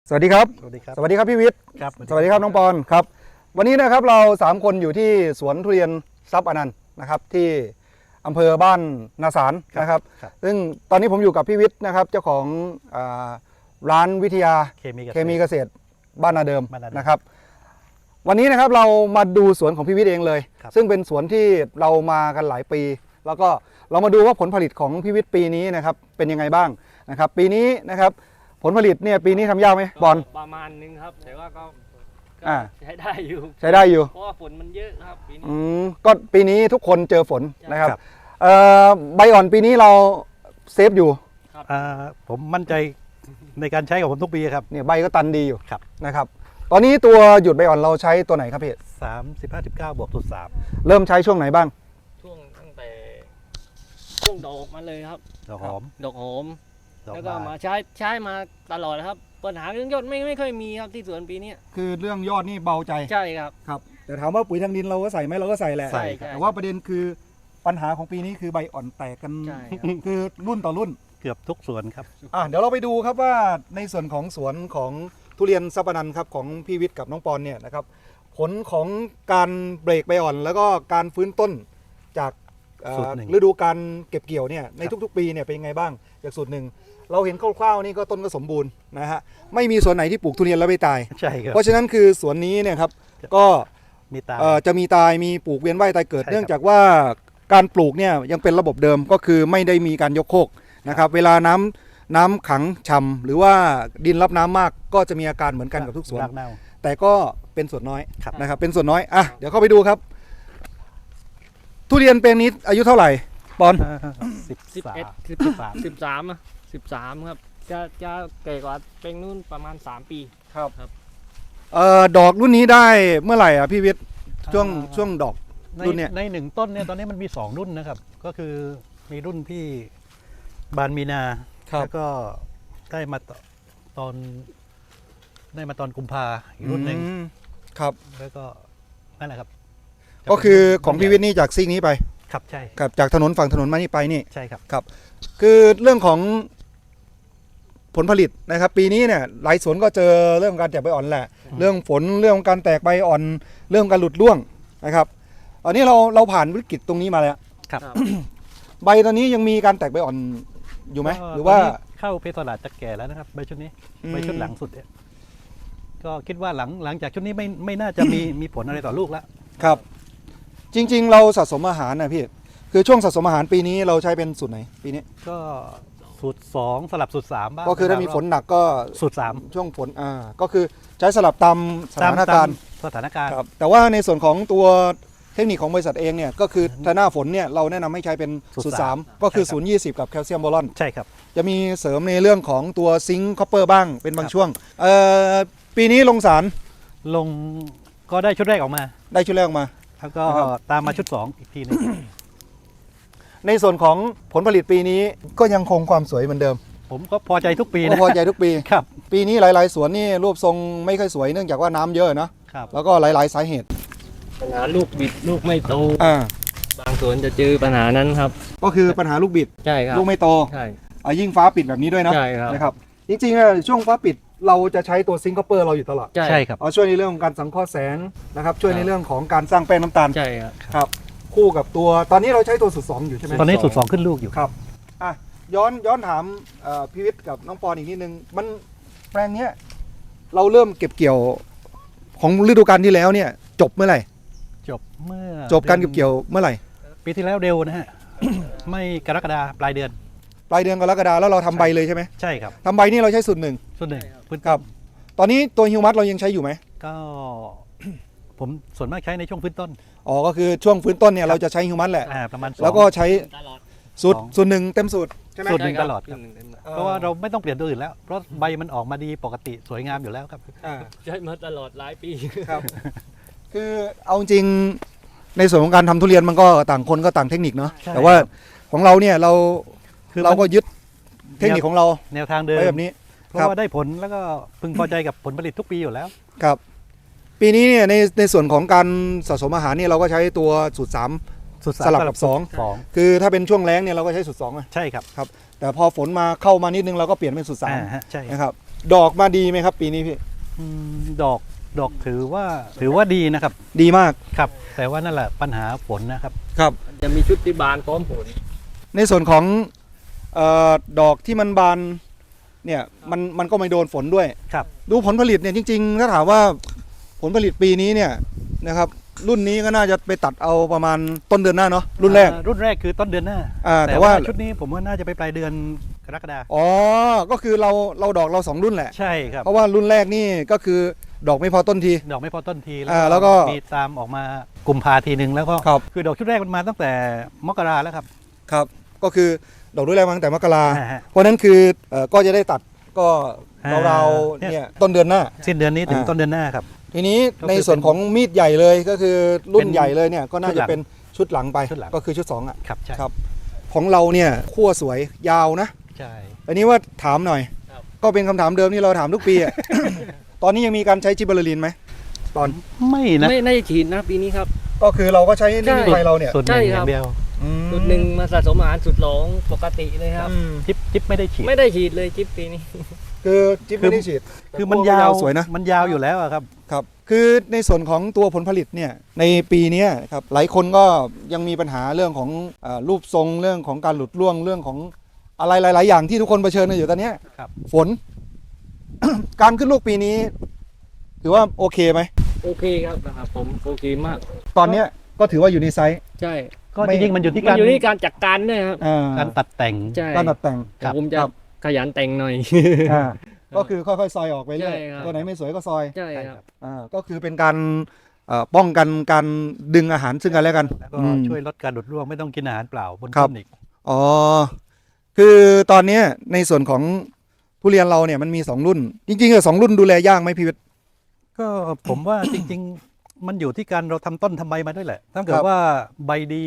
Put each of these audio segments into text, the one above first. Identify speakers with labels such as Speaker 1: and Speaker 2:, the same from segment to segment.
Speaker 1: สวัสดีครับ
Speaker 2: สวัสดีครับ
Speaker 1: สวัสดีครับพี่วิทย์
Speaker 2: ครับ
Speaker 1: สวัสดีครับน้องปอนครับวันนี้นะครับเรา3คนอยู่ที่สวนทุเรียนทรัพย์อนันต์นะครับที่อำเภอบ้านนาสารนะครับซึ่งตอนนี้ผมอยู่กับพี่วิทย์นะครับเจ้าของร้านวิทยาเคมีเกษตรบ้านนาเดิมนะครับวันนี้นะครับเรามาดูสวนของพี่วิทย์เองเลยซึ่งเป็นสวนที่เรามากันหลายปีแล้วก็เรามาดูว่าผลผลิตของพี่วิทย์ปีนี้นะครับเป็นยังไงบ้างนะครับปีนี้นะครับผลผลิตเนี่ยปีนี้ทำยากไหมบอล
Speaker 3: ประมาณนึงครับแต่ว่าก็
Speaker 1: อ่า
Speaker 3: ใช้ได้อยู่
Speaker 1: ใช้ได้อยู่
Speaker 3: เพราะว่าฝนมันเยอะครับปีนี้
Speaker 1: ก็ปีนี้ทุกคนเจอฝนนะครับใบอ่อนปีนี้เราเซฟอยู่
Speaker 2: ผมมั่นใจในการใช้ของผมทุกปีครับ
Speaker 1: เนี่ยใบก็ตันดีอยู่นะครับตอนนี้ตัวหยุดใบอ่อนเราใช้ตัวไหนครับพี่
Speaker 2: 35-19+3
Speaker 1: เริ่มใช้ช่วงไหนบ้าง
Speaker 3: ช่วงตั้งแต่ช่วงดอกมาเลยครับ
Speaker 2: ดอกหอม
Speaker 3: แล้วก็มาใช้มาตลอดครับปัญหาเรื่องยอดไม่ค่อยมีครับที่สวนปีนี้
Speaker 1: คือเรื่องยอดนี่เบาใจ
Speaker 3: ใช่ครับ
Speaker 1: แต่ถามว่าปุ๋ยทางดินเราก็ใส่ไหมเราก็ใส่แหละแต่ว่าประเด็นคือปัญหาของปีนี้คือใบอ่อนแตกกันคือรุ่นต่อรุ่น
Speaker 2: เกือบทุกสวนครับ
Speaker 1: เดี๋ยวเราไปดูครับว่าในส่วนของสวนของทุเรียนทรัพย์อนันต์ครับของพี่วิทย์กับน้องปอนเนี่ยนะครับผลของการเบรกใบอ่อนแล้วก็การฟื้นต้นจากฤดูการเก็บเกี่ยวเนี่ยในทุกๆปีเนี่ยเป็นยังไงบ้างจากสูตรหนึ่งเราเห็นคร่าวๆนี่ก็ต้นก็สมบูรณ์นะฮะไม่มีสวนไหนที่ปลูกทุเรียนแล้วไม่ตาย
Speaker 2: ใช่ครับ
Speaker 1: เพราะฉะนั้นคือสวนนี้เนี่ยครับก็จะมีตายมีปลูกเวียนว่ายตายเกิดเนื่องจากว่าการปลูกเนี่ยยังเป็นระบบเดิมก็คือไม่ได้มีการยกโคกนะครับเวลาน้ำขังฉ่ำหรือว่าดินรับน้ำมากก็จะมีอาการเหมือนกันกับทุกสวนแต่ก็เป็นส่วนน้อยนะครับเป็นส่วนน้อยเดี๋ยวเข้าไปดูครับทุเรียนแปลงนี้อายุเท่าไหร่ปอน
Speaker 3: 13ครับจะแก่กว่าแปลงนู้นประมาณ3ปี
Speaker 1: ครับดอกรุ่นนี้ได้เมื่อไหร่พี่วิทย์ช่วงดอกรุ่นเนี้ย
Speaker 2: ใน1ต้นเนี่ยตอนนี้มันมี2รุ่นนะครับก็คือมีรุ่นที่บานมีนาแล้วก็ได้มาตอนกุมภาอีกรุ่นหนึ่ง
Speaker 1: ครับ
Speaker 2: แล้วก็นั่นแหละครับ
Speaker 1: ก็คือของพี่วิทย์นี่จากซีกนี้ไป
Speaker 2: ครับใช่
Speaker 1: ครับจากถนนฝั่งถนนมานี่ไปนี่
Speaker 2: ใช่ครับ
Speaker 1: ครับคือเรื่องของผลผลิตนะครับปีนี้เนี่ยหลายสวนก็เจอเรื่องการแตกใบอ่อนแหละเรื่องฝนเรื่องการแตกใบอ่อนเรื่องการหลุดร่วงนะครับตอนนี้เราผ่านวิกฤตตรงนี้มาแล้ว
Speaker 2: ครับ
Speaker 1: ใบตอนนี้ยังมีการแตกใบอ่อนอยู่ไหมหรือว่า
Speaker 2: เข้าเพศตลาดจะแก่แล้วนะครับใบชุดนี้ใบชุดหลังสุดเนี่ยก็คิดว่าหลังจากชุดนี้ไม่น่าจะมีผลอะไรต่อลูกแล้ว
Speaker 1: ครับจริงๆเราสะสมอาหารนะพี่คือช่วงสะสมอาหารปีนี้เราใช้เป็นสูตรไหนปีนี้
Speaker 2: ก็สูตร2สลับสูตร3บ้าง
Speaker 1: ก็คือถ้ามีฝนหนักก็
Speaker 2: สูตร3
Speaker 1: ช่วงฝนก็คือใช้สลับตามสถานการณ์ครับแต่ว่าในส่วนของตัวเทคนิคของบริษัทเองเนี่ยก็คือถ้าหน้าฝนเนี่ยเราแนะนำให้ใช้เป็นสูตร3ก็คือ0-20กับแคลเซียมบอรอน
Speaker 2: ใช่ครับ
Speaker 1: จะมีเสริมในเรื่องของตัวซิงค์คอปเปอร์บ้างเป็นบางช่วงปีนี้ลงสาร
Speaker 2: ก็ได้ชุดแรกออกมาแล้วก็ตามมาชุด2อีกทีนึง
Speaker 1: ในส่วนของผลผลิตปีนี้ก็ยังคงความสวยเหมือนเดิม
Speaker 2: ผมก็พอใจทุกปีนะ
Speaker 1: พอใจทุกปี
Speaker 2: ครับ
Speaker 1: ปีนี้หลายๆสวนนี่รูปทรงไม่ค่อยสวยเนื่องจากว่าน้ำเยอะนะครับแล้วก็หลายๆสาเหตุ
Speaker 3: ปัญหาลูกบิดลูกไม่โตบางสวนจะเจอปัญหานั้นครับ
Speaker 1: ก็คือปัญหาลูกบิด
Speaker 3: ใช่ครับ
Speaker 1: ลูกไม่โต
Speaker 3: ใช่
Speaker 1: ยิ่งฟ้าปิดแบบนี้ด้วยนะ
Speaker 3: ใช่ครับ
Speaker 1: นะครับจริงๆช่วงฟ้าปิดเราจะใช้ตัวซิงค์คอปเปอร์เราอยู่ตลอด
Speaker 2: ใช่ครับ
Speaker 1: ช่วยในเรื่องของการสังเคราะห์แสงนะครับช่วยในเรื่องของการสร้างแป้งน้ำตาล
Speaker 3: ใช่
Speaker 1: ครับคู่กับตัวตอนนี้เราใช้ตัวสูตร2อยู่ใช่ไหม
Speaker 2: ตอนนี้สูตร2ขึ้นลูกอยู่
Speaker 1: ครับย้อนถามพี่วิทย์กับน้องปอนอีกนิดนึงมันแปลงนี้เราเริ่มเก็บเกี่ยวของฤดูกาลที่แล้วเนี่ยจบเมื่อไหร่จบการเก็บเกี่ยวเมื่อไหร่
Speaker 2: ปีที่แล้วเร็วนะฮะ ไม่กรกฎาปลายเดือน
Speaker 1: กรกฎาแล้วเราทำใบเลยใช่ไหม
Speaker 2: ใช่ครับ
Speaker 1: ทำใบนี่เราใช้สูตร1ครับตอนนี้ตัวฮิวมัสเรายังใช้อยู่ไหม
Speaker 2: ก็ผมส่วนมากใช้ในช่วงฟื้นต้น
Speaker 1: ก็คือช่วงฟื้นต้นเนี่ยเราจะใช้ฮิวมัสแหละ
Speaker 2: ประมาณ
Speaker 1: แล้วก็ใช้สูตร1เต็มสูตรใช่ไหม
Speaker 2: สูตร1ตลอดเพราะว่าเราไม่ต้องเปลี่ยนตัวอื่นแล้วเพราะใบมันออกมาดีปกติสวยงามอยู่แล้วครับ
Speaker 3: ใช้มาตลอดหลายปี
Speaker 1: ครับคือเอาจริงในส่วนของการทำทุเรียนมันก็ต่างคนก็ต่างเทคนิคเนาะแต่ว่าของเราเนี่ยเราก็ยึดเทคนิคของเรา
Speaker 2: แนวทางเดิม
Speaker 1: แบบนี้
Speaker 2: เพราะว่าได้ผลแล้วก็พึงพอใจกับผลผลิตทุกปีอยู่แล้ว
Speaker 1: ครับปีนี้เนี่ยในส่วนของการสะสมอาหารเนี่ยเราก็ใช้ตัวสูตร3สลับกับ2คือถ้าเป็นช่วงแล้งเนี่ยเราก็ใช้สูตร2
Speaker 2: ใช่ครับ
Speaker 1: แต่พอฝนมาเข้ามานิดนึงเราก็เปลี่ยนเป็นสูตร3
Speaker 2: ใช่
Speaker 1: นะครับดอกมาดีไหมครับ ปีนี้พี่
Speaker 2: ดอกถือว่าดีนะครับ
Speaker 1: ดีมาก
Speaker 2: ครับ แต่ว่านั่นแหละปัญหาฝนนะครับ
Speaker 1: ครับ
Speaker 3: จะมีชุดที่บานพร้อมผล
Speaker 1: ในส่วนของดอกที่มันบานเนี่ยมันก็ไม่โดนฝนด้วย
Speaker 2: ครับ
Speaker 1: ดูผลผลิตเนี่ยจริงๆถ้าถามว่าผลผลิตปีนี้เนี่ยนะครับรุ่นนี้ก็น่าจะไปตัดเอาประมาณต้นเดือนหน้าเนาะรุ่นแรก
Speaker 2: รุ่นแรกคือต้นเดือนหน้า
Speaker 1: แต่
Speaker 2: แต่
Speaker 1: ว่า
Speaker 2: ว่าชุดนี้ผมว่าน่าจะไปปลายเดือนกรกฎาคม
Speaker 1: อ๋อก็คือเราดอกเรา2รุ่นแหละ
Speaker 2: ใช่ครับ
Speaker 1: เพราะว่ารุ่นแรกนี่ก็คือดอกไม่พอต้นที
Speaker 2: ดอกไม่พอต้นที
Speaker 1: แล้วก็
Speaker 2: มีตามออกมากุมภาทีหนึ่งแล้วก็
Speaker 1: ครับ
Speaker 2: คือดอกชุดแรกมันมาตั้งแต่มกราแล้วครับ
Speaker 1: ครับก็คือดอกรุ่นแรกมาตั้งแต่มกรา
Speaker 2: อ่าฮะ
Speaker 1: เพราะนั้นคือก็จะได้ตัดก็
Speaker 2: อ่า
Speaker 1: เราๆเนี่ยต้นเดือนหน้า
Speaker 2: สิ้นเดือนนี้ถึง
Speaker 1: อ่า
Speaker 2: ต้นเดือนหน้าครับ
Speaker 1: ทีนี้
Speaker 2: ก็คือ
Speaker 1: ในส่วนของมีดใหญ่เลยก็คือรุ่น
Speaker 2: เป็น
Speaker 1: ใหญ่เลยเนี่ยก็น่า
Speaker 2: ชุดห
Speaker 1: จะ
Speaker 2: ลัง
Speaker 1: เป็นชุดหลังไป
Speaker 2: ชุดหลัง
Speaker 1: ก็คือชุด2อ่ะ
Speaker 2: ครับใช่
Speaker 1: ครับของเราเนี่ยขั้วสวยยาวนะ
Speaker 2: ใช่
Speaker 1: อันนี้ว่าถามหน่อย
Speaker 3: ครับ
Speaker 1: ก็เป็นคำถามเดิมที่เราถามทุกปีอ่ะ ตอนนี้ยังมีการใช้จิบเบอร์ลินไหมตอน
Speaker 2: ไม่นะ
Speaker 3: ไม่ได้ฉีดนะปีนี้ครับ
Speaker 1: ก็คือเราก็ใช้นี่
Speaker 3: ใช่
Speaker 1: ไฟเราเนี่ย
Speaker 2: ส่วนห
Speaker 3: ใช่
Speaker 2: นึ่งอ
Speaker 3: ครั
Speaker 2: ย่า
Speaker 3: บ
Speaker 2: งเดียว
Speaker 1: อืม
Speaker 3: จุดหนึ่งมาสะสมอาหารสุดหลงปกติเลยครับ
Speaker 1: อืม
Speaker 2: จิ๊บไม่ได้ฉีด
Speaker 3: ไม่ได้ฉีดเลยจิ๊บปีนี้
Speaker 1: คือจิ๊บไม่ได้ฉีด
Speaker 2: คือมัน
Speaker 1: แต่
Speaker 2: ยาว
Speaker 1: สวยนะ
Speaker 2: มันยาวอยู่แล้วอะครับ
Speaker 1: ครับคือในส่วนของตัวผลผลิตเนี่ยในปีเนี้ยครับหลายคนก็ยังมีปัญหาเรื่องของรูปทรงเรื่องของการหลุดร่วงเรื่องของอะไรหลาย ๆ อย่างที่ทุกคนเผชิญกันอยู่ตอนเนี้ย
Speaker 2: ครับ
Speaker 1: ฝน การขึ้นลูกปีนี้ ถือว่าโอเคไหม
Speaker 3: โอเคครับนะครับผมโอเคมาก
Speaker 1: ตอนเนี้ยก็ถือว่าอยู่ในไซส์
Speaker 3: ใช่
Speaker 2: ก็
Speaker 1: ไม่
Speaker 2: จริงๆมันอยู่ที่
Speaker 3: มั
Speaker 2: กาน ร
Speaker 3: อยู่ที่การจัดการด้วยครับ
Speaker 2: การตัดแต่ง
Speaker 3: ใช่
Speaker 1: การตัดแต่ง
Speaker 3: แต่ผมจะ
Speaker 1: ครับ
Speaker 3: ขยันแต่งหน่อย
Speaker 1: อ่าก็คือค่อยๆซอยออกไปเรื่อย
Speaker 3: ใช่ครับ
Speaker 1: ตัวไหนไม่สวยก็ซอย
Speaker 3: ใช่ครับ
Speaker 1: ก็คือเป็นการป้องกันการดึงอาหารซึ่งกันและกัน
Speaker 2: แล้วก็
Speaker 1: อืม
Speaker 2: ช่วยลดการหลุดร่วงไม่ต้องกินอาหารเปล่าบน
Speaker 1: ครับ
Speaker 2: ต้นอีก
Speaker 1: อ๋อ คือตอนเนี้ยในส่วนของทุเรียนเราเนี่ยมันมี2รุ่น จริงๆ2รุ่นดูแลยากไหมพี่วิทย์
Speaker 2: ก็ผมว่า จริงๆ มันอยู่ที่การเราทำต้นทำใบมาด้วยแหละ ถ้าเกิ
Speaker 1: ค
Speaker 2: ด
Speaker 1: รับ
Speaker 2: ว่าใบดี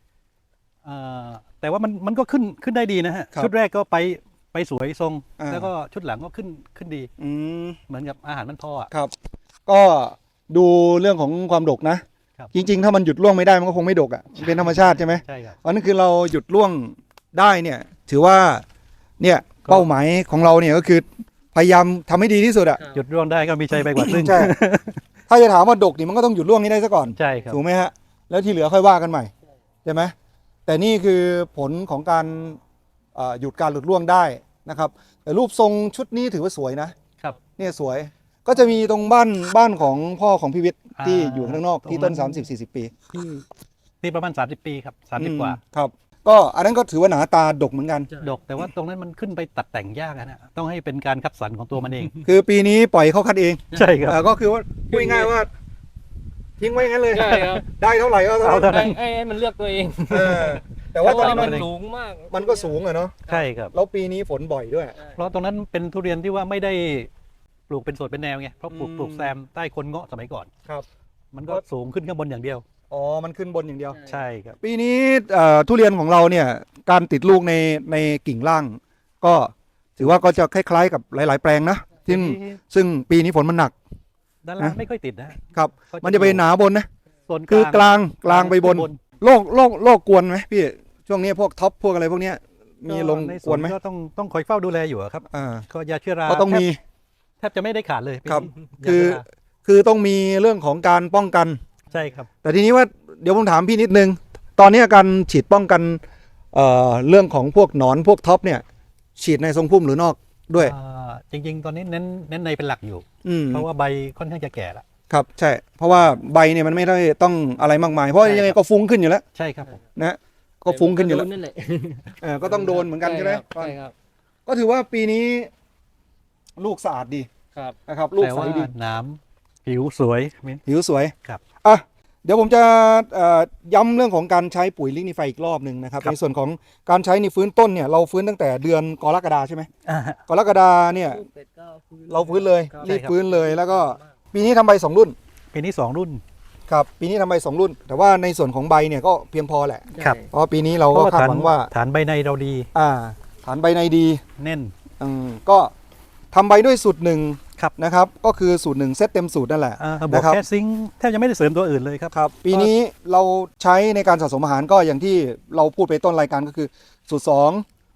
Speaker 2: แต่ว่ามันก็ขึ้นได้ดีนะฮะ
Speaker 1: ครับ
Speaker 2: ชุดแรกก็ไปสวยทรง
Speaker 1: อ่า
Speaker 2: แล้วก็ชุดหลังก็ขึ้นดี
Speaker 1: อืม
Speaker 2: เหมือนกับอาหารมันพออ่ะ
Speaker 1: ครับ ก็ดูเรื่องของความดกนะ
Speaker 2: ครับ
Speaker 1: จริง ๆ ถ้ามันหยุดร่วงไม่ได้มันก็คงไม่ดกอ่ะมันเป็นธรรมชาติใช่ไหม
Speaker 2: ใช่ครับ
Speaker 1: เพราะนั่นคือเราหยุดร่วงได้เนี่ย ถือว่าเนี่ย
Speaker 2: ก็
Speaker 1: เป้าหมายของเราเนี่ยก็คือพยายามทำให้ดีที่สุดอ่ะ
Speaker 2: หยุดร่วงได้ก็มีชัยไปกว่าครึ่ง
Speaker 1: ใช่ ถ้าจะถามว่าดกนี่มันก็ต้องหยุดร่วงให้ได้ซะก่อน
Speaker 2: ใช่ครับ
Speaker 1: ถูกไหมฮะ แล้วที่เหลือค่อยว่ากันใหม่ใช่ไหมแต่นี่คือผลของการหยุดการหลุดร่วงได้นะครับ แต่รูปทรงชุดนี้ถือว่าสวยนะครับ เนี่ยสวยก็จะมีตรงบ้านของพ่อของพี่วิทย์ที่อยู่ข้างนอกที่ต้น 30-40 ปี
Speaker 2: ที่ประมาณ30 ปีครับ30 กว่า
Speaker 1: ครับ ก็อันนั้นก็ถือว่าหนาตาดกเหมือนกัน
Speaker 2: ดกแต่ว่าตรงนั้นมันขึ้นไปตัดแต่งยากนะต้องให้เป็นการคัดสรรของตัวมันเอง
Speaker 1: คือปีนี้ปล่อยเขาคัดเอง
Speaker 2: ใช่ครับ
Speaker 1: ก็คือว่าพูดง่ายๆว่า ทิ้งไว้งั้นเลย
Speaker 3: ใช่ครับ
Speaker 1: ได้เท่าไหร่ก็เท่า
Speaker 2: เอาเท่า
Speaker 1: นั้น
Speaker 3: ให้มันเลือกตัวเอง
Speaker 1: เออแต่ว่าตอนนี้
Speaker 3: มั
Speaker 1: มัน
Speaker 3: นสูงมาก
Speaker 1: มันก็สูงอะเนาะ
Speaker 2: ใช่ครับ
Speaker 1: แล้วปีนี้ฝนบ่อยด้วย
Speaker 2: เพราะตรงนั้นเป็นทุเรียนที่ว่าไม่ได้ปลูกเป็นสวนเป็นแนวไงเพราะปลูก
Speaker 1: อืม
Speaker 2: ปลูกแซมใต้คนเงาะสมัยก่อน
Speaker 1: ครับ
Speaker 2: มันก็สูงขึ้นข้างบนอย่างเดียว
Speaker 1: อ๋อมันขึ้นบนอย่างเดียว
Speaker 2: ใช่ครับ
Speaker 1: ปีนี้ทุเรียนของเราเนี่ยการติดลูกในกิ่งล่าง ก็ถือว่าก็จะคล้ายๆกับหลาย ๆ แปลงนะซึ่งปีนี้ฝนมันหนัก
Speaker 2: ด้านล่างไม่ค่อยติดนะครับ
Speaker 1: มันจะไปหนาบนนะ
Speaker 2: ส่วน
Speaker 1: คือกลางไปบน
Speaker 2: ขึ้
Speaker 1: โรคกวนไหมพี่ช่วงนี้พวกท็อปพวกอะไรพวกเนี้ยมีลง
Speaker 2: ใน
Speaker 1: ก
Speaker 2: ส่
Speaker 1: ว
Speaker 2: วน
Speaker 1: นไหม
Speaker 2: ก็ต้องคอยเฝ้าดูแลอยู่อะครับ
Speaker 1: อ่า
Speaker 2: ก็ยาเชื้อรา
Speaker 1: ก็ต้องมี
Speaker 2: แทบจะไม่ได้ขาดเลย
Speaker 1: ครับ
Speaker 2: ยาเชื้รา
Speaker 1: คือต้องมีเรื่องของการป้องกัน
Speaker 2: ใช่ครับ
Speaker 1: แต่ทีนี้ว่าเดี๋ยวผมถามพี่นิดนึง ตอนนี้การฉีดป้องกันเรื่องของพวกหนอนพวกท็อปเนี่ย ฉีดในทรงพุ่มหรือนอกด้วย
Speaker 2: จริงๆ ตอนนี้เน้นในเป็นหลักอยู่
Speaker 1: อืม
Speaker 2: เพราะว่าใบค่อนข้างจะแก่แล้ว
Speaker 1: ครับใช่ เพราะว่าใบเนี่ยมันไม่ได้ต้องอะไรมากมาย เพราะยังไงก็ฟุ้งขึ้นอยู่แล้ว
Speaker 2: ใช่ครับผม
Speaker 1: นะก็ฟุ้งขึ้นอยู่แล้ว
Speaker 3: นั่นแหละ
Speaker 1: ก็ต้องโดนเหมือนกันใช่ไหม
Speaker 3: ใช่ครับ
Speaker 1: ก็ถือว่าปีนี้ลูกสะอาดดี
Speaker 3: ครับ
Speaker 1: นะครับ ลูก
Speaker 2: แต่
Speaker 1: ใส
Speaker 2: ว่า
Speaker 1: ดี
Speaker 2: น้ำผิวสวยมิ้น
Speaker 1: ผิวสวย
Speaker 2: ครับ
Speaker 1: อ่ะเดี๋ยวผมจะย้ำเรื่องของการใช้ปุ๋ยลิกนิไฟอีกรอบหนึ่งนะครับ
Speaker 2: ครับ
Speaker 1: ในส่วนของการใช้ในฟื้นต้นเนี่ยเราฟื้นตั้งแต่เดือนกรกฎาใช่ไหม
Speaker 2: อ่าฮะ
Speaker 1: กรกฎาเนี่ยเราฟื้นเลย
Speaker 3: ครับ
Speaker 1: รีบ
Speaker 2: ใช่ครับ
Speaker 1: ฟื้นเลยแล้วก็ปีนี้ทำใบ2 รุ่น
Speaker 2: ปีนี้2 รุ่น
Speaker 1: ครับปีนี้ทำใบ2 รุ่น แต่ว่าในส่วนของใบเนี่ยก็เพียงพอแหละ
Speaker 2: ครับ
Speaker 1: เพราะปีนี้เรา
Speaker 2: เพ
Speaker 1: ก็
Speaker 2: ราะว่า
Speaker 1: คาด
Speaker 2: ฐาน
Speaker 1: หวังว่า
Speaker 2: ฐานใบในเราดี
Speaker 1: ฐานใบในดี
Speaker 2: แน่น
Speaker 1: ก็ทำใบด้วยสูตรหนึ่ง
Speaker 2: ครับ
Speaker 1: นะครับก็คือสูตรหนึ่งเซตเต็มสูตรนั่นแหละ
Speaker 2: บอก
Speaker 1: นะครับ
Speaker 2: แค่ซิงค์แทบจะไม่ได้เสริมตัวอื่นเลยครับ
Speaker 1: ครับปีนี้เราใช้ในการสะสมอาหารก็อย่างที่เราพูดไปต้นรายการก็คือสูตร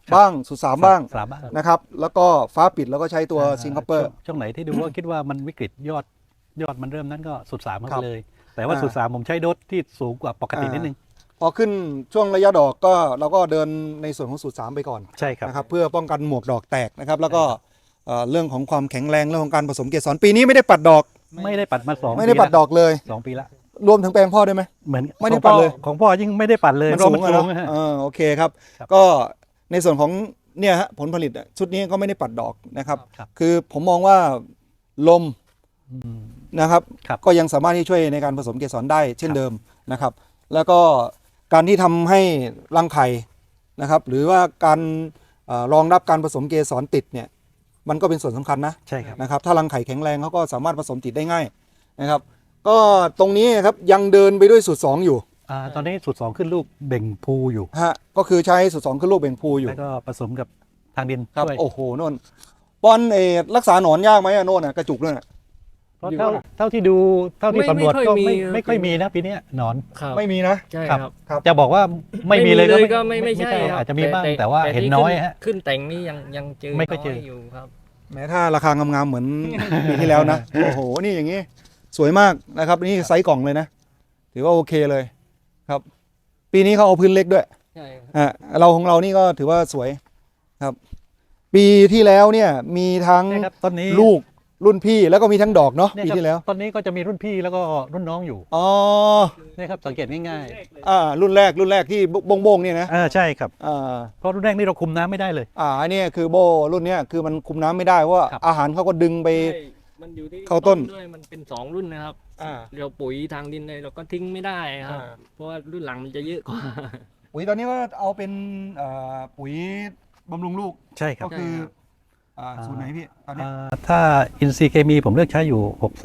Speaker 1: บ้างสุดสามบ้าง
Speaker 2: สามบ้าง
Speaker 1: นะครับแล้วก็ฟ้าปิดแล้วก็ใช้ตัวซิงคโปร์
Speaker 2: ช่วงไหนที่ดูว่าคิดว่ามันวิกฤตยอดมันเริ่มนั้นก็สุดสาม
Speaker 1: ครั
Speaker 2: เข้า
Speaker 1: บ
Speaker 2: ไปเลย แต่ว่า
Speaker 1: อ่า
Speaker 2: สุดสามผมใช้โดสที่สูงกว่าปกตินิดนึง
Speaker 1: พอขึ้นช่วงระยะดอกก็เราก็เดินในส่วนของสูตร3ไปก่อน
Speaker 2: ใช่ครับ
Speaker 1: นะครับเพื่อป้องกันหมวกดอกแตกนะครับแล้วก็เรื่องของความแข็งแรงเรื่องของการผสมเกสรปีนี้ไม่ได้ปัดดอก
Speaker 2: ไม่ได้ปัดมา2
Speaker 1: ไม่ได้ปัดดอกเลย
Speaker 2: 2 ปีละ
Speaker 1: รวมถึงแปลงพ่อด้วยไหม
Speaker 2: เหมือน
Speaker 1: ไม่ได้ปัดเลย
Speaker 2: ของพ่อยิ่งไม่ได้ปัดเลย
Speaker 1: มัน
Speaker 2: เพราะ
Speaker 1: สู
Speaker 2: มัน
Speaker 1: งอะ
Speaker 2: สู
Speaker 1: นะ
Speaker 2: งฮะ
Speaker 1: โอเคครับ
Speaker 2: ครับ
Speaker 1: ก็ในส่วนของเนี่ยฮะผลผลิตชุดนี้ก็ไม่ได้ปัดดอกนะครับ
Speaker 2: ครับ
Speaker 1: คือผมมองว่าลม
Speaker 2: อืม
Speaker 1: นะครับ
Speaker 2: ครับ
Speaker 1: ก็ยังสามารถที่ช่วยในการผสมเกสรได้เช่นเดิมนะครับ แล้วก็การที่ทำให้รังไข่นะครับ หรือว่าการรองรับการผสมเกสรติดเนี่ยมันก็เป็นส่วนสำคัญนะ
Speaker 2: ใช่ครับ
Speaker 1: นะครับ ถ้ารังไข่แข็งแรงเขาก็สามารถผสมติดได้ง่ายนะครับ ก็ตรงนี้ครับยังเดินไปด้วยสูตร2อยู่
Speaker 2: ตอนนี้สูตร2ขึ้นลูกเบ่งพูอยู่
Speaker 1: ฮะก็คือใช้สูตร2ขึ้นลูกเบ่งพูอยู่
Speaker 2: แล้วก็ผสมกับทางดิน
Speaker 1: ครับ
Speaker 2: ด้วย
Speaker 1: โอ้โหโน่นปอนรักษาหนอนยากไหมอะโน่นอะกระจุกนั่นอะ
Speaker 2: เพราะเท่าที่ดูเท่าที่สำรวจก็ไม่ค่อยมีนะปีเนี้ยหนอน
Speaker 3: ครับ
Speaker 1: ไม่มีนะ
Speaker 3: ใช่
Speaker 2: ครับ
Speaker 3: ครับ
Speaker 1: ครับ
Speaker 2: จะบอกว่าไม่มีเลย
Speaker 3: ก็ไม่ใช่
Speaker 2: ใช่
Speaker 3: ครับ
Speaker 2: อาจจะมีบ้างแต่ว่าเห็นน้อยฮะ
Speaker 3: ขึ้นแต่งนี่ยังเจอ
Speaker 2: ไม่ค่อยเจอ
Speaker 3: น้อยู่ครับ
Speaker 1: แม้ถ้าราคางามๆเหมือน ปีที่แล้วนะ โอ้โห นี่อย่างนี้ สวยมากนะครับ นี่ไซส์กล่องเลยนะ ถือว่าโอเคเลยครับ ปีนี้เขาเอาพื้นเล็กด้วย
Speaker 3: ใช่ครับ
Speaker 1: เราของเรานี่ก็ถือว่าสวยครับ ปีที่แล้วเนี่ยมีทั้ง
Speaker 2: เนี่ยครับต้นนี้
Speaker 1: ลูกรุ่นพี่แล้วก็มีทั้งดอกเนาะ
Speaker 2: เนี่ย
Speaker 1: ปี
Speaker 2: ครับ
Speaker 1: ที่แล้ว
Speaker 2: ต้นนี้ก็จะมีรุ่นพี่แล้วก็รุ่นน้องอยู่
Speaker 1: อ๋อ
Speaker 2: เนี่ยครับสังเกตง่าย
Speaker 1: รุ่นแรกที่โบงๆเนี่ยนะ
Speaker 2: ๆใช่ครับ
Speaker 1: อ่า
Speaker 2: เพราะรุ่นแรกนี่เราคุมน้ำไม่ได้เลย
Speaker 1: อันนี้คือโบรุ่นเนี้ยคือมันคุมน้ำไม่ได้เพราะว่า
Speaker 2: ครับ
Speaker 1: อาหารเขาก็ดึงไป
Speaker 3: ใช่มันอยู่ที่
Speaker 1: เข้าต้น
Speaker 3: ด้วยมันเป็น2รุ่นนะครับ
Speaker 1: อ่า
Speaker 3: เราปุ๋ยทางดินเลยเราก็ทิ้งไม่ได้ครับ
Speaker 1: อ่า
Speaker 3: เพราะว่ารุ่นหลังมันจะเยอะกว่า
Speaker 1: ปุ๋ยตอนนี้ก็เอาเป็นปุ๋ยบำรุงลูก
Speaker 2: ใช่ครับ
Speaker 1: ก็คือสูตรไหนพี่ตอนนี้
Speaker 2: ถ้าอินทรีย์เคมีผมเลือกใช้อยู่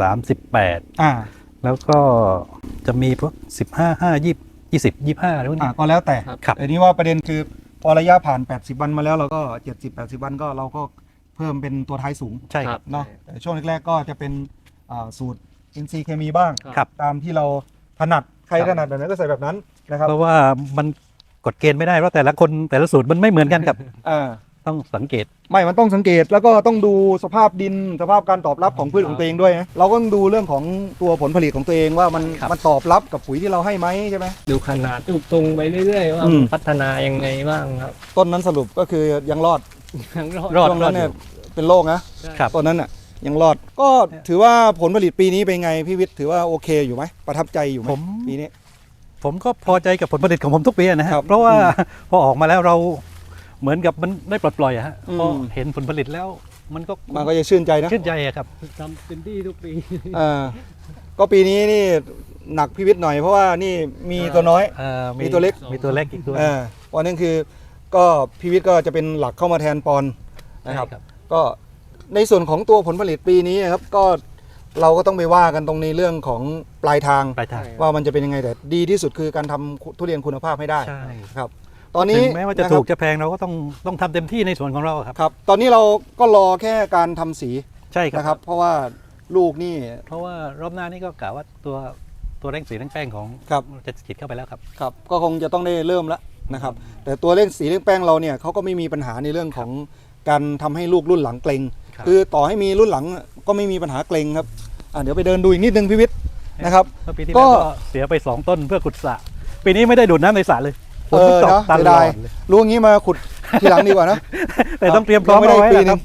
Speaker 2: 63
Speaker 1: อ่า
Speaker 2: 18 แล้วก็จะมีพวก15 5 20 20 25รุ่นนี้
Speaker 1: ก็แล้วแต่
Speaker 2: ครับ
Speaker 1: แต่นี้ว่าประเด็นคือพอระยะผ่าน80วันมาแล้วเราก็70-80วันก็เราก็เพิ่มเป็นตัวท้ายสูง
Speaker 2: ใช่ครับ
Speaker 1: เนาะแต่ช่วงแรกๆก็จะเป็นสูตรอินทรีย์เคมีบ้าง
Speaker 2: ครับ
Speaker 1: ตามที่เราถนัดใคร
Speaker 2: ครับ
Speaker 1: ถนัดแบบไหนก็ใส่แบบนั้นนะครับ
Speaker 2: เพราะว่ามันกฎเกณฑ์ไม่ได้เพราะแต่ละคนแต่ละสูตรมันไม่เหมือนกันครับ
Speaker 1: อ่า
Speaker 2: ต้องสังเกต
Speaker 1: ไม่มันต้องสังเกตแล้วก็ต้องดูสภาพดินสภาพการตอบรับของพืชของตัวเองด้วยนะเราก็ต้องดูเรื่องของตัวผลผลิตของตัวเองว่ามัน
Speaker 2: ครับ
Speaker 1: มันตอบรับกับปุ๋ยที่เราให้ไหมใช่ไหม
Speaker 3: ดูขนาดดูตรงไปเรื่อยๆว่า
Speaker 1: อืม
Speaker 3: พัฒนายังไงบ้างครับ
Speaker 1: ต้นนั้นสรุปก็คือยังรอด
Speaker 3: ยังรอด
Speaker 2: รอด
Speaker 1: ช่วงนั้นเนี่ยเป็นโรคนะครับ ต้นนั้นอ่ะยังรอดก็ถือว่าผลผลิตปีนี้เป็นไงพี่วิทย์ถือว่าโอเคอยู่ไหมประทับใจอยู่ไหม
Speaker 2: ผม
Speaker 1: ปีนี้
Speaker 2: ผมก็พอใจกับผลผลิตของผมทุกปีนะฮะ
Speaker 1: ครับ
Speaker 2: เพราะว่าพอออกมาแล้วเราเหมือนกับมันได้ปลดปล่อยอะฮะ
Speaker 1: อืม
Speaker 2: พอเห็นผลผลิตแล้วมันก็
Speaker 1: มันก็จะชื่นใจนะ
Speaker 2: ชื่นใจอะครับ
Speaker 3: ทำเต็มที่ทุกปี
Speaker 1: อ่าก็ปีนี้นี่หนักพี่วิทย์หน่อยเพราะว่านี่มีตัวน้อย มีตัวเล็ก
Speaker 2: มีตัวเล็กอีกตัว
Speaker 1: วันนั้นคือก็พี่วิทย์ก็จะเป็นหลักเข้ามาแทนปอนนะครับ
Speaker 2: ใช่
Speaker 1: ก็ในส่วนของตัวผลผลิตปีนี้นะครับก็เราก็ต้องไปว่ากันตรงในเรื่องของปลายทาง
Speaker 2: ปลายทาง
Speaker 1: ว่ามันจะเป็นยังไงแต่ดีที่สุดคือการทำทุเรียนคุณภาพให้ได้
Speaker 2: ใช่
Speaker 1: ครับ ตอนนี้
Speaker 2: ถึงแม้ว่าจะ
Speaker 1: นครับ
Speaker 2: ถูกจะแพงเราก็ต้องทำเต็มที่ในส่วนของเราครับ
Speaker 1: ครับ ตอนนี้เราก็รอแค่การทำสี
Speaker 2: ใช่ค
Speaker 1: นะค
Speaker 2: รั
Speaker 1: รับ บ เพราะว่าลูกนี่
Speaker 2: เพราะว่ารอบหน้านี่ก็กะว่าตัวเร่งสีเร่งแป้งของ
Speaker 1: ครับ
Speaker 2: จะฉีดเข้าไปแล้วครับ
Speaker 1: ครับก็คงจะต้องได้เริ่มแล้วนะครับ แต่ตัวเล่นสีเล่นแป้งเราเนี่ยเขาก็ไม่มีปัญหาในเรื่องของการทำให้ลูกรุ่นหลังเกรง
Speaker 2: ครับ
Speaker 1: คือต่อให้มีรุ่นหลังก็ไม่มีปัญหาเกรงครับเดี๋ยวไปเดินดูอีกนิดนึงพี่วิทย์นะครับ
Speaker 2: เมื่อปีที่
Speaker 1: ก็
Speaker 2: แล้วก็เสียไป 2 ต้นเพื่อขุดสระปีนี้ไม่ได้ดูดน้ำในสระเลยฝนมันตก
Speaker 1: เนาะ
Speaker 2: ต
Speaker 1: เสีย
Speaker 2: ลอ
Speaker 1: ดาย
Speaker 2: ดเลย
Speaker 1: รู้อย่างนี้มาขุดทีหลังดีกว่านะ
Speaker 2: แต่ต้องเตรียมพร้อม
Speaker 1: ไม่
Speaker 2: เอา
Speaker 1: ได้
Speaker 2: ไว้
Speaker 1: ปี
Speaker 2: นะ
Speaker 1: ห
Speaker 2: ค
Speaker 1: นึ
Speaker 2: รับ
Speaker 1: ง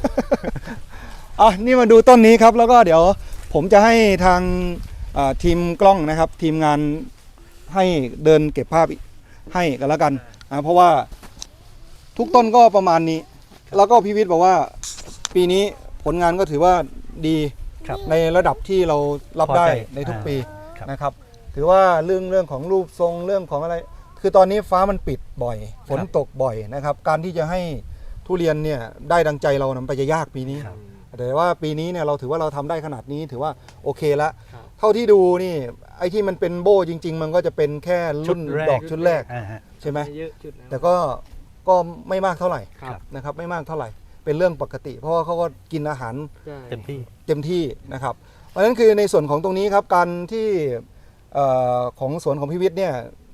Speaker 1: นี่มาดูต้นนี้ครับแล้วก็เดี๋ยวผมจะให้ทางทีมกล้องนะครับ ทีมงานให้เดินเก็บภาพให้กันแล้วกันเพราะว่าทุกต้นก็ประมาณนี้ แล้วก็พี่วิทย์บอกว่าปีนี้ผลงานก็ถือว่าดี
Speaker 2: ครับ
Speaker 1: ในระดับที่เรารับได้
Speaker 2: พอใจ
Speaker 1: ในทุกปี
Speaker 2: ครับ
Speaker 1: นะครับ ถือว่าเรื่องของรูปทรงเรื่องของอะไร คือตอนนี้ฟ้ามันปิดบ่อย ฝนตกบ่อยนะครับ การที่จะให้ทุเรียนเนี่ยได้ดังใจเรานะมันไปจะยากปีนี้
Speaker 2: ครับ
Speaker 1: แต่ว่าปีนี้เนี่ยเราถือว่าเราทำได้ขนาดนี้ถือว่าโอเคละ
Speaker 3: ครับ
Speaker 1: เท่าที่ดูนี่ไอ้ที่มันเป็นโบ้จริง ๆ มันก็จะเป็นแค่รุ่นดอกชุดแรก
Speaker 2: อ่าฮะ
Speaker 1: ใช่ไหม
Speaker 3: เยอะจุดนะ
Speaker 1: แต่ก็ไม่มากเท่าไหร่
Speaker 3: ครับ
Speaker 1: นะครับไม่มากเท่าไหร่เป็นเรื่องปกติ เพราะว่าเขาก็กินอาหาร
Speaker 3: ใช่
Speaker 2: เต็มที่
Speaker 1: เต็มที่นะครับเพราะฉะนั้นคือในส่วนของตรงนี้ครับการที่ของสวนของพิวิทย์เนี่ย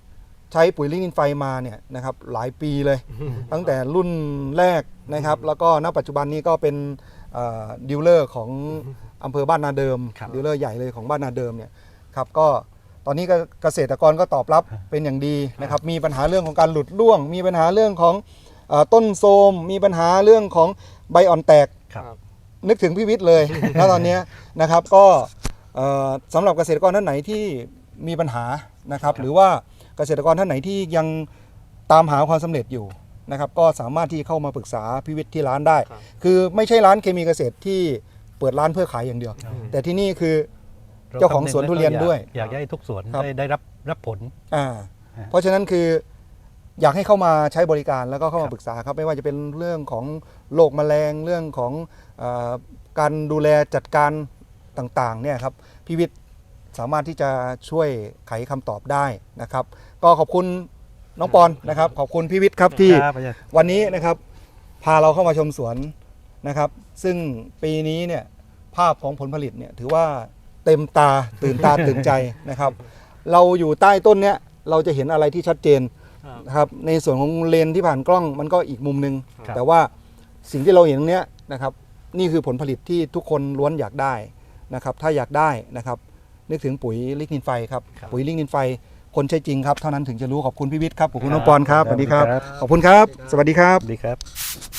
Speaker 1: ใช้ปุ๋ยลิกนินไฟมาเนี่ยนะครับหลายปีเลย ตั้งแต่รุ่นแรกนะครับแล้วก็ณปัจจุบันนี้ก็เป็นดีลเลอร์ของอำเภอบ้านนาเดิม
Speaker 2: ครับ
Speaker 1: ดีลเลอร์ใหญ่เลยของบ้านนาเดิมเนี่ยครับก็ตอนนี้ก็เกษตรกรก็ตอบรับเป็นอย่างดีนะครับมีปัญหาเรื่องของการหลุดร่วง มีปัญหาเรื่องของต้นโทรมมีปัญหาเรื่องของใบอ่อนแตก
Speaker 2: ครับ
Speaker 1: นึกถึงพี่วิทย์เลย แล้วตอนเนี้ยนะครับก็สำหรับเกษตรกรท่านไหนที่มีปัญหานะครับหรือว่าเกษตรกรท่านไหนที่ยังตามหาความสำเร็จอยู่นะครับก็สามารถที่เข้ามาปรึกษาพี่วิทย์ที่ร้านได้ คือไม่ใช่ร้านเคมีเกษตรที่เปิดร้านเพื่อขายอย่างเดียว แต่ที่นี่คือ เจ้าของสวนทุเรียนด้วย
Speaker 2: อยากให้ทุกสวน
Speaker 1: ครับ
Speaker 2: ได้รับผล
Speaker 1: เพราะฉะนั้นคืออยากให้เข้ามาใช้บริการแล้วก็เข้ามาปรึกษาครับไม่ว่าจะเป็นเรื่องของโรคแมลงเรื่องของการดูแลจัดการต่างๆเนี่ยครับพี่วิทย์สามารถที่จะช่วยไขคำตอบได้นะครับ ก็ขอบคุณน้องปอนนะครับ ขอบคุณพี่วิทย์ครับที่
Speaker 2: ครับอาจารย์
Speaker 1: วันนี้นะครับพาเราเข้ามาชมสวนนะครับ ซึ่งปีนี้เนี่ยภาพของผลผลิตเนี่ยถือว่าเต็มตาตื่นตา ตื่นใจนะครับ เราอยู่ใต้ต้นเนี้ยเราจะเห็นอะไรที่ชัดเจนนะครับในส่วนของเลนที่ผ่านกล้องมันก็อีกมุมหนึ่ง
Speaker 2: ครับ
Speaker 1: แต่ว่าสิ่งที่เราเห็นตรงเนี้ยนะครับนี่คือผลผลิตที่ทุกคนล้วนอยากได้นะครับถ้าอยากได้นะครับนึกถึงปุ๋ยลิกนินไฟครับปุ๋ยลิกนินไฟคนใช้จริงครับเท่านั้นถึงจะรู้ขอบคุณพี่วิทย์ครับขอบคุณน้องปอนครับสวัสดีครับขอบคุณครับสวัสดีครับ
Speaker 2: ดีครับ